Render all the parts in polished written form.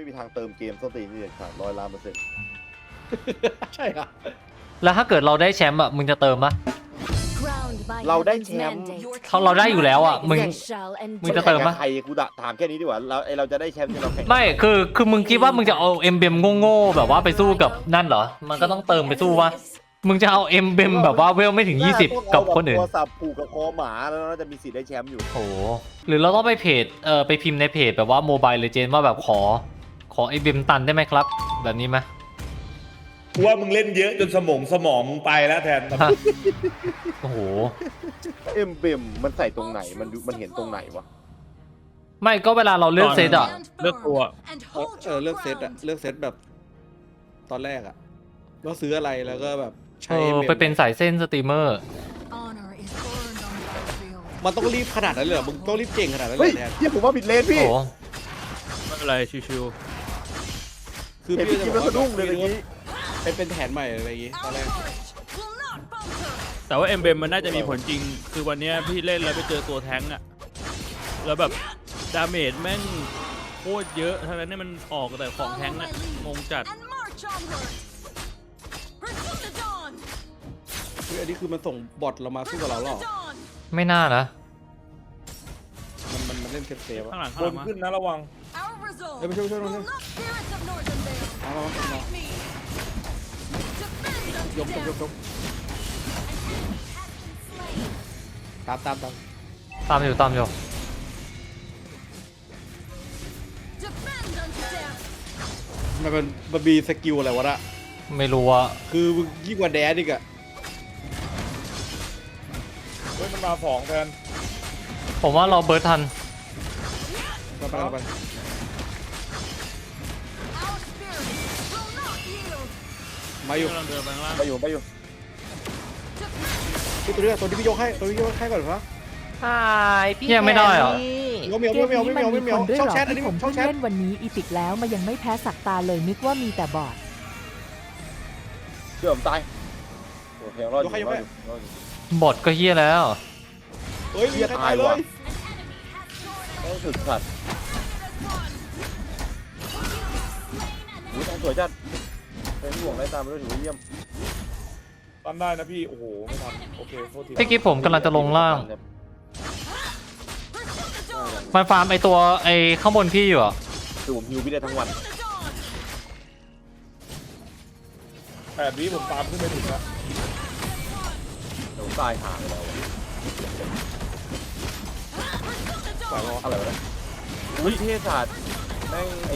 มีทางเติมเกมสตรีนี่เด็ดขาด100% ใช่ครับแล้วถ้าเกิดเราได้แชมป์อ่ะมึงจะเติมปะเราได้แชมป์เราได้อยู่แล้วอ่ะมึงจะเติมปะใครกูถามแค่นี้ดีกว่าเราจะได้แชมป์ที่เราแข่งไม่คือมึงคิดว่ามึงจะเอาเอ็มเบมโง่ๆแบบว่าไปสู้กับนั่นเหรอมันก็ต้องเติมไปสู้วะมึงจะเอาเอ็มเบมแบบว่าเวลไม่ถึง20กับคนอื่นตัวสับผูกกับคอหมาแล้วน่าจะมีสิทธิ์ได้แชมป์อยู่โอ้โหหรือเราต้องไปเพจไปพิมพ์ในเพจแบบว่าโมบายเลเจนด์ว่าแบบขอไอเบมตันได้ไหมครับแบบนี้ไหมกูว่ามึงเล่นเยอะจนสมองมึงไปแล้วแทนโอ้โหเอ็มเบมมันใส่ตรงไหนมันเห็นตรงไหนวะไม่ก็เวลาเราเลือกเซตอ่ะเลือกตัวเลือกเซตอะเลือกเซตแบบตอนแรกอะว่าซื้ออะไรแล้วก็แบบใช้ไปเป็นสายเส้นสตรีมเมอร์มันต้องรีบขนาดนั้นเลยเหรอมึงต้องรีบเก่งขนาดนั้นเลเฮ้ยยแทนเฮียผมว่าผิดเลนโอ้พี่โหไม่เป็นไรชิวคือเห็นพี่พี่จะคิดบอว่าก สะดุ้งเลยเมื่อกี้เป็นแผนใหม่อะไรอย่างงี้ตอนแรกๆแต่ว่าเอ็มเบมมันน่าจะมีผลจริง คือวันเนี้ยพี่เล่นแล้วไปเจอตัวแท้งอะแล้วแบบดาเมจแม่งโคตรเยอะทั้งนั้นเนี่ยมันออกแต่ของแท้งอะงงจัดคืออันนี้คือมันส่งบอทเรามาสู้กับเราหรอไม่น่านะมันเล่นเซฟๆข้าอะงหลังบข้างหลันงมาขึ้นนะระวังเฮ้ยมาช่วยมาเอายกตามตามอยู่มันมีสกิลอะไรวะน่ะไม่รู้ว่าคือยิ่งกว่าแดนอีกอะเฮ้ยมันมาสองแทนผมว่าเราเบิร์ดทันไปมาอยู่กำลังเดินไปข้างล่างไปอยู่ที่ตัวนี้พี่ยกให้ก่อนครับเนี่ยไม่ได้เหรอไม่เหมียวช่องแชทอันนี้ผมช่องเพิ่งแชทเล่นวันนี้อีพิกแล้วมันยังไม่แพ้สักตาเลยนึกว่ามีแต่บอดเชื่อผมตายโอเครอดอยู่บอทก็เฮี้ยแล้วเฮ้ยมีใครตายเลยต้องถึกสัตว์อุ้ยทางสวยจัดเป็นห่วงได้ตามไปด้วยถือว่าเยี่ยมตันได้นะพี่โอ้โหไม่ทันโอเคโทษทีพี่กิ๊ฟผมกำลังจะลงล่าง มันฟาร์มไอตัวไอข้างบนพี่อยู่อ่ะคือผมฮิวพี่ได้ทั้งวัน 8 วิผมตามขึ้นไปถึงแล้วเดี๋ยวตายห่างแล้วอะไรวะเนี่ยวิทยาศาสตร์แม่งไอ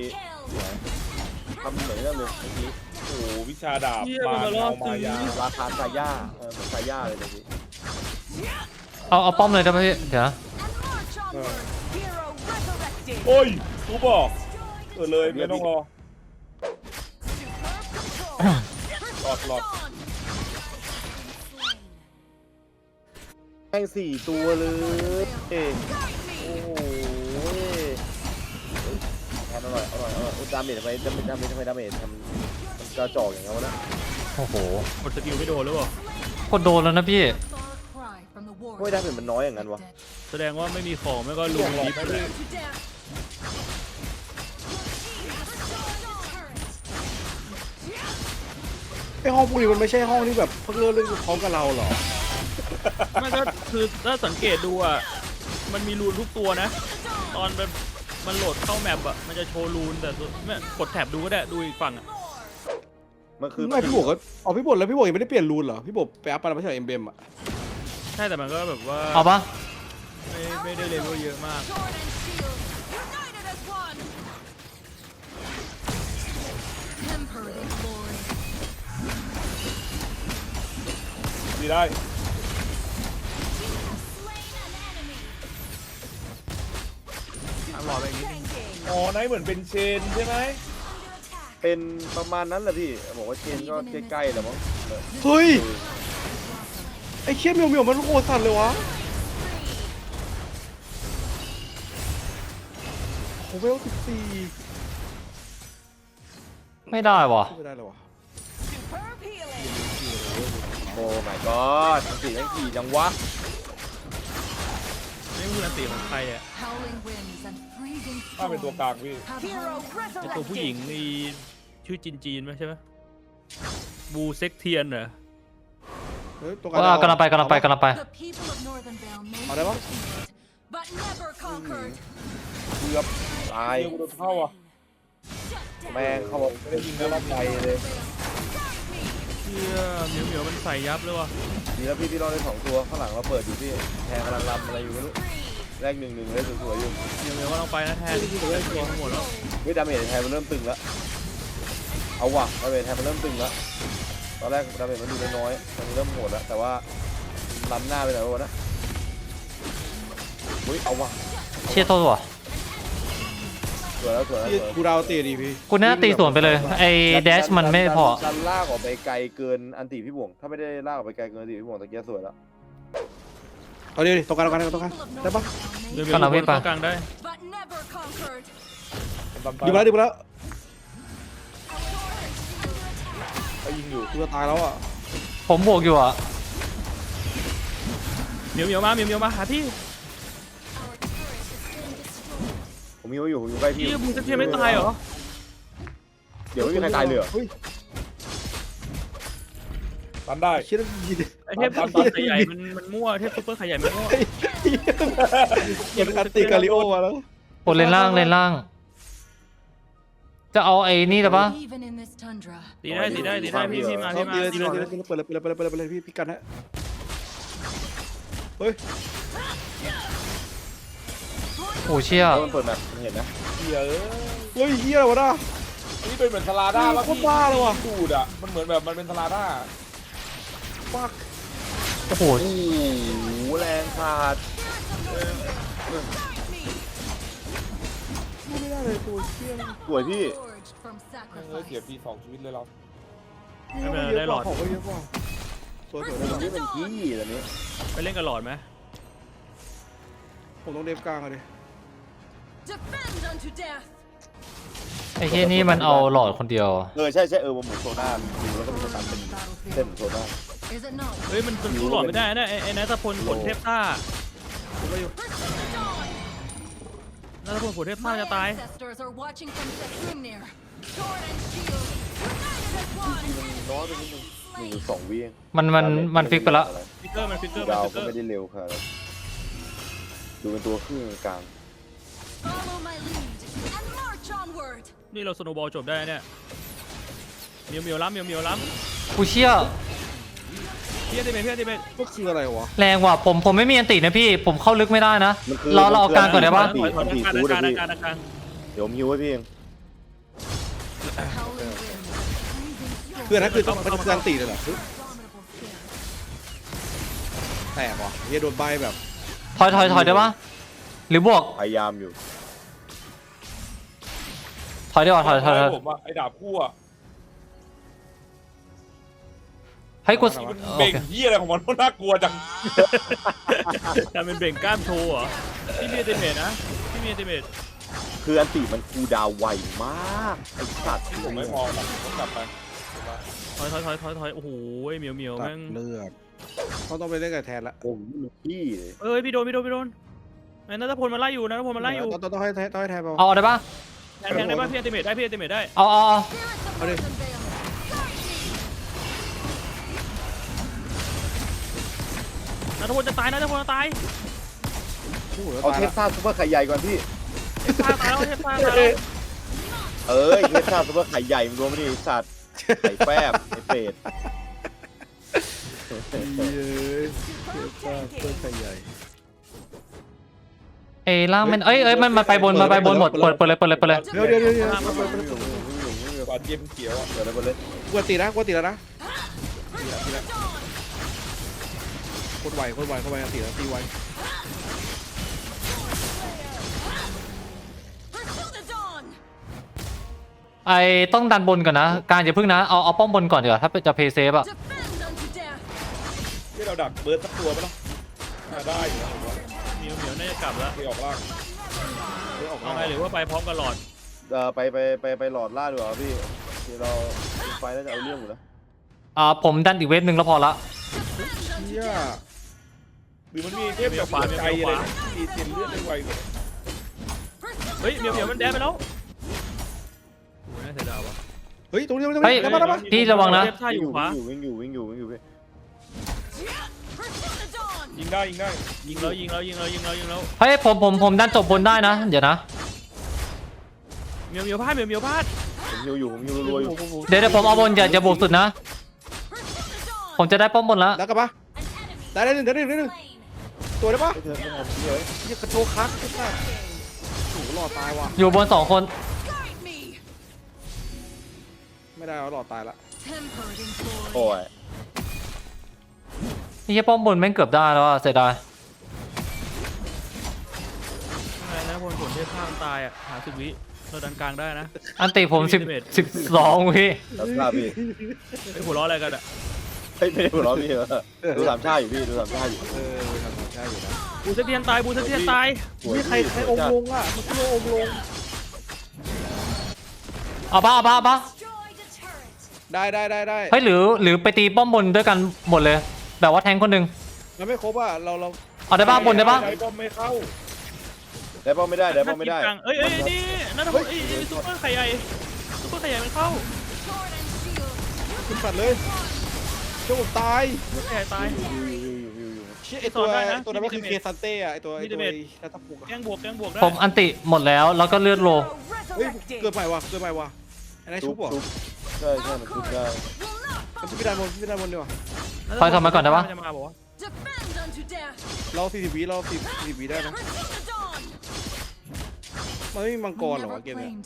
ทำเหมือนกันเลยเมื่อกี้โอ้โหวิชาดาบเหี้ยมามันมารอบมายาราคาซาย่าเหมือนซาย่าเลยเมื่อกี้เอาป้อมเลยได้ไหมพี่เดี๋ยวนะโอ้ยกูบอกเลยไม่ต้องรอหลอดแม่ง4 ตัวเลยโอ้โหแทนอร่อยดาเมจทำไมดาเมจทำมันกระจอกอย่างเงี้ยวะนะโอ้โหกดสกิลไม่โดนหรือเปล่ากดโดนแล้วนะพี่ไม่ดาเมจมันน้อยอย่างนั้นวะแสดงว่าไม่มีของไม่ก็ลุมดิฟเลยไอห้องพวกนี้มันไม่ใช่ห้องที่แบบเพิ่งเริ่มเล่นพร้อมกับเราหรอไม่ก็คือถ้าสังเกตดูอ่ะมันมีรูนทุกตัวนะ ตอนมันโหลดเข้าแมปอ่ะมันจะโชว์รูนแต่ไม่กดแท็บดูก็ได้ดูอีกฝั่งอ่ะมันคือไม่พี่บอกก็พี่บอกแล้วพี่บอกยังไม่ได้เปลี่ยนรูนเหรอพี่บอกไปอัพไปแล้วไม่ใช่เอ็มเบมอะใช่แต่มันก็แบบว่าเอาปะไม่ได้เลเวลเยอะมากดีได้รอไปอีกนิดนึงอ๋อไนท์เหมือนเป็นเชนใช่ไหมเป็นประมาณนั้นแหละพี่บอกว่าเชนก็ใกล้ๆแล้วมั้งเฮ้ยไอเคี้ยเหมียวมันโคตรสั่นเลยวะโอ้เวล14 ไม่ได้วะไม่ได้เลยวะโอ้ my god สีแม่งขี่จังวะนี่คืออันตีของใครอ่ะถ้าเป็นตัวกลางพี่ไอตัวผู้หญิงนี่ชื่อจีนไหมใช่ไหมบูเซ็กเทียนเหรอเฮ้ยตัวว่ากำลังไปกำลังไปกำลังไปเอาได้ปะเกือบตายเดี๋ยวกูโดนเข้าอ่ะแม่งเขาบอกไม่ได้ยิงแล้วรับใจเลยเชี่ยเหมียวมันใส่ยับเลยว่ะดีแล้วพี่รอดได้2 ตัวข้างหลังเราเปิดอยู่พี่แทงกำลังรำอะไรอยู่ไม่รู้แรก1-1เลยสวยๆอยู่เหมียวก็ต้องไปนะแทนตัวหมดแล้วเฮ้ยดาเมจแทนมันเริ่มตึงแล้วเอาว่ะดาเมจแทนมันเริ่มตึงแล้วตอนแรกดาเมจมันดูน้อยๆมันเริ่มโหดแล้วแต่ว่าล้ำหน้าไปหน่อยวะนะเฮ้ยเอาว่ะเชี่ยโทษว่ะสวยแล้วสวยแล้วพี่สวยกูดาวตีดีพี่กูน่าตีสวนไปเลยไอ้แดชมันไม่พอดันลากออกไปไกลเกินอันติพี่บ่วงถ้าไม่ได้ลากออกไปไกลเกินอันติพี่บ่วงตะเกียบสวยแล้วเอาดิตรงกลางได้ปะเหมียวเข้ากลางได้ดีมาแล้วดีมาแล้วเขายิงอยู่กูจะตายแล้วอ่ะผมบวกอยู่อ่ะเหมียวมาหาพี่ผมมีไว้อยู่ผมอยู่ใกล้พี่พี่บูเซ็กเทียนไม่ตายเหรอเดี๋ยวไม่มีใครตายเลยเหรอเฮ้ยตันได้เชี่ยยิงไอเทพซุปเปอร์ไข่ใหญ่มันมั่วเทพซุปเปอร์ไข่ใหญ่มันมั่วมันอันตีกาลิโอมาแล้วโอ้เลนล่างเลนล่าง จะเอาไอ้นี่ได้ปะตีได้พี่มาเอาตีเลยเปิดเลยพี่กันฮะเฮ้ยโอ้เชี่ยมันเปิดแบบมันเห็นนะเหี้ยเอ้ยเฮ้ยเฮียอะไรวะน่ะอันนี้เป็นเหมือนสลาด้าแล้วโคตรบ้าเลยว่ะสูดอ่ะมันเหมือนแบบมันเป็นสลาด้าฟักโอ้โหโอ้โหแรงขาดไม่ได้เลยตัวเชี่ยสวยพี่เฮ้ยเสียปี2 ชีวิตเลยเราไม่เป็นไรได้หลอดของก็เยอะกว่าสวยมันนี่เป็นขี้ตอนนี้ไปเล่นกับหลอดไหมผมต้องเดฟกลางอะดิไอ้เฮียนี่มันเอาหลอดคนเดียวใช่มันหมุนโซน่าดูแล้วก็มีสตันเป็นเส้นโซน่าเฮ้ยมันสู้หลอดไม่ได้นะไอ้นัทพลผลเทพซ่านัทพลผลเทพซ่าจะตายน้อยไปนิดนึง1-2 วิมันฟิกไปแล้วฟิกเกอร์มันฟิกเกอร์ดาวฟิกเกก็อร์ไม่ได้เร็วค่ะดูเป็นตัวครึ่งกลางนี่เราสโนว์บอลจบได้เนี่ยเหมียวล้ำกูเชี่ยพี่ติเมทก็คืออะไรวะแรงว่ะผมไม่มีอันตินะพี่ ผมเข้าลึกไม่ได้นะ เราเอากลางก่อนได้ปะถอยกลางเดี๋ยวผมฮิวให้พี่เองคืออันนั้นคือต้องกลางตีเลยเหรอแตกว่ะเฮียโดนใบแบบถอยได้ปะหรือบวกพยายามอยู่ถอยดีกว่าถอยผมว่าไอ้ดาบคู่อ่ะให้กูมันโอเบ่งเคเหี้ยอะไรของมันน่ากลัวจังการเป็นเบ่งกล้ามโชว์เหรอพี่มีติเมทนะพี่มีติเมทคืออันติมันคูลดาวน์ไวมากไอ้สัตว์ผมไม่มองแบบผมกลับไปถอยโอ้โหเหมียวตัแม่ดงเลือดเขาต้องไปเล่นกับแทนละโอ้โหมันขี้เลยเอ้ยพี่โดนไอ้นัทพลมันไล่อยู่ต้องให้แทนไปเอาได้ปะแทงได้ป่ะพี่ติเมทได้เอาเอาดินัทพลจะตายเอาเทสซ่าซุปเปอร์ไข่ใหญ่ก่อนพี่เทพซ่าตายแล้วเทสซ่าซุปเปอร์ไข่ใหญ่มันรวมไม่ดีไอ้สัตว์ไข่แฟบไอ้เป็ดเย้ตัวใหญ่ไอ้ล่างมันเอ้ยมันไปบนหมดเปิดเลยเดี๋ยวก่อนเกมเขียวอ่ะเดี๋ยวเลยบนเลยกวนตีแล้วนะโคตรไวตีแล้วตีไวไอ้ต้องดันบนก่อนนะ การอย่าพึ่งนะเอาป้อมบนก่อนเดี๋ยวถ้าจะเพย์เซฟอะที่เราดักเบิร์ดสักตัวไปแล้วได้อยู่นะผมว่าเหมียวน่าจะกลับแล้วที่ออกล่างเอาไงหรือว่าไปพร้อมกับหลอดไปหลอดล่าดีกว่าพี่ที่เราไฟน่าจะเอาเรื่องอยู่นะผมดันอีกเวฟหนึ่งแล้วพอละเชี่ยหรือมันมีเทพแบบหัวใจอะไรตีเตียนเลือดได้ไวกว่าเฮ้ยเหมียวมันแดนไปแล้วโอ้ยน่าเสียดายว่ะเฮ้ยตรงนี้เฮ้ยได้ปะได้ปะพี่ระวังนะเทพท่าอยู่ขวาวิ่งอยู่พี่ยิงได้ยิงได้ยิงแล้วเฮ้ยผมดันจบบนได้นะ เดี๋ยวนะเหมียวพลาดผมฮิวรัวอยู่เดี๋ยวผมเอาบนอย่าบวกสุดนะ ผมจะได้ป้อมบนแล้วได้กลับปะได้หนึ่งตัวได้ปะไม่เธอไม่ทำเลยเหี้ยกระโจกคักไอ้สัสโอ้โหหล่อตายว่ะอยู่บน2 คนไม่ได้แล้วหล่อตายละโอ้ยนี่ป้อมบนแม่งเกือบได้แล้วอะเสียดายอะไรนะพลผลเทพท่ามันตายอ่ะหา10 วิเราดันกลางได้นะอันติผม12พี่รับทราบพี่ไอ้หัวล้ออะไรกันอ่ะเฮ้ยไม่ได้หัวเราะพี่เหรอดูสามชาอยู่พี่ดูสามชาอยู่ทำได้อยู่นะบูสเทียนตายนี่ใครองค์ลงอ่ะมันคือองค์ลงเอาปะได้เฮ้ยหรือไปตีป้อมบนด้วยกันหมดเลย แบบว่าแทงคนหนึ่งมันไม่ครบอ่ะเราเอาได้ปะบนได้ปะใจป้อมไม่เข้าได้ป้อมไม่ได้ได้ป้อมไม่ได้เอ้ยนี่นั่นนะซุปเปอร์ไข่ใหญ่มันเข้าขึ้นปัดเลยเจ้าผมตายไข่ใหญ่ตายเชี่ยไอตัวสอนได้นะตัวนั้นมันคือเคซันเต้อะไอตัวมีเดเมจนัตปุกอะแกงบวกได้ผมอันติหมดแล้วแล้วก็เลือดโลเฮ้ยเกิดใหม่ว่ะไอ้นายชุบเหรอใช่มันชุบได้มันชุบพี่ดานบนดีกว่าคอยทำมาก่อนได้ปะจะมาบอกว่าเรา40 วิได้นะมันไม่มีมังกรเหรอวะเกมเนี้ย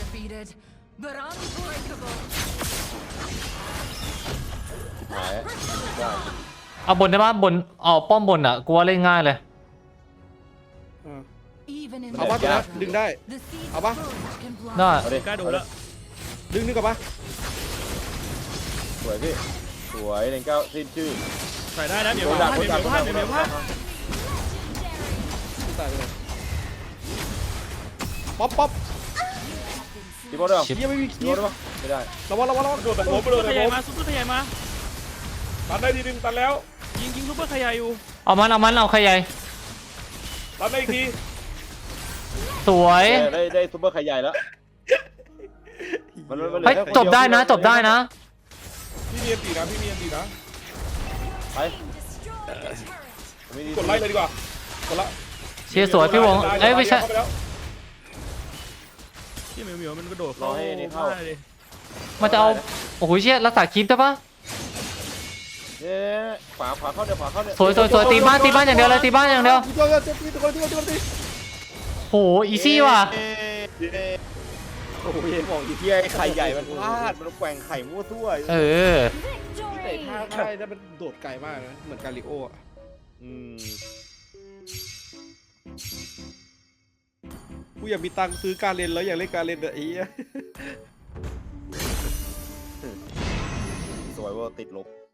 หายได้เอาบนได้ปะบนเอาป้อมบนอ่ะกูว่าเล่นง่ายเลยเอาปะตัวนั้นดึงได้ เอาปะได้เอาดิกล้าโดนแล้วดึงกับปะสวยพี่สวยเล่นเก้าสิ้นชื่อใส่ได้นะเหมียวพลาดตายไปเลยป๊อปตีบอลด้วยชิปเฮียไม่มีตีคีบอลย์ด้วยไม่ได้ระวังโดนแต่ผมไปซุโดปนเปอแต่ร์ไข่ใหญ่ผมมาซุปเปอร์ไข่ใหญ่มาตันได้ทีนึงตันแล้วยิงซุปเปอร์ไข่ใหญ่อยู่เอาใครใหญ่ตันได้อีกทีสวยได้ซุปเปอร์ไข่ใหญ่แล้วมันเหลือเฮ้ยแค่คนจบได้นะพี่มีอันตีนะไปไม่ดีกดไล่เลยดีกว่า กดละเชียร์สวยพี่วงเอ้ยไม่ใช่เข้าปแล้วที่เหมียวมันกระโดดเข้าเลยมันจะเอาโอ้โหเชี่ยรักษาคลิปได้ปะเย้ขวาเข้าเดี๋ยวขวาเข้าเดี๋ยวสวยตีบ้านอย่างเดียวเลยตีบ้านอย่างเดียวตัวโหอีซี่ว่ะโอ้ยบอกอีเทียไข่ใหญ่มันพลาดมันแกว่งไข่มั่วซั่วเออเตะท่าได้แล้วมันโดดไกลมากนะเหมือนกาลิโออ่ะ กูอยากมีตังค์ซื้อการเล่นแล้วอยากเล่นการเล่นแบบนี้สวยว่าติดลบ